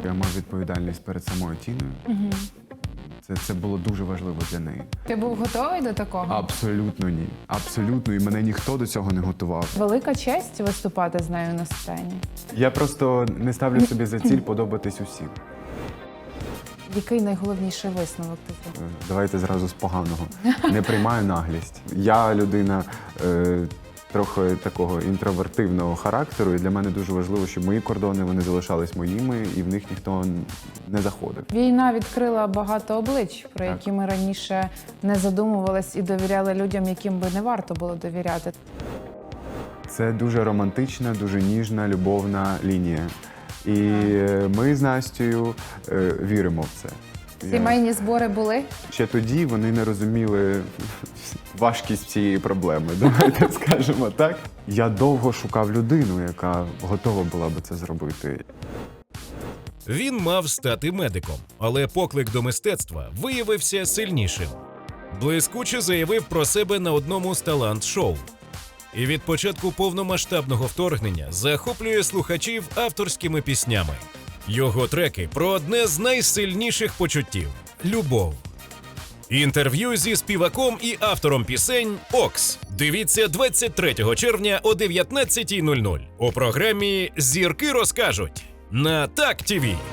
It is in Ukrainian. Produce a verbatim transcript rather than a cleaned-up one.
Я мав відповідальність перед самою Тіною. Угу. Це, це було дуже важливо для неї. Ти був готовий до такого? Абсолютно ні. Абсолютно. І мене ніхто до цього не готував. Велика честь виступати з нею на сцені. Я просто не ставлю собі за ціль подобатись усім. Який найголовніший висновок ти зробив? Давайте зразу з поганого. Не приймаю наглість. Я людина е, трохи такого інтровертивного характеру, і для мене дуже важливо, щоб мої кордони вони залишались моїми, і в них ніхто не заходив. Війна відкрила багато облич, про Так. які ми раніше не задумувались і довіряли людям, яким би не варто було довіряти. Це дуже романтична, дуже ніжна, любовна лінія. І ми з Настею е, віримо в це. Я- Сімейні збори були? Ще тоді вони не розуміли важкість цієї проблеми, давайте скажемо так. Я довго шукав людину, яка готова була би це зробити. Він мав стати медиком, але поклик до мистецтва виявився сильнішим. Блискуче заявив про себе на одному з талант-шоу. І від початку повномасштабного вторгнення захоплює слухачів авторськими піснями. Його треки про одне з найсильніших почуттів – любов. Інтерв'ю зі співаком і автором пісень «Окс». Дивіться двадцять третього червня о дев'ятнадцятій нуль нуль у програмі «Зірки розкажуть» на Так ТІВІ.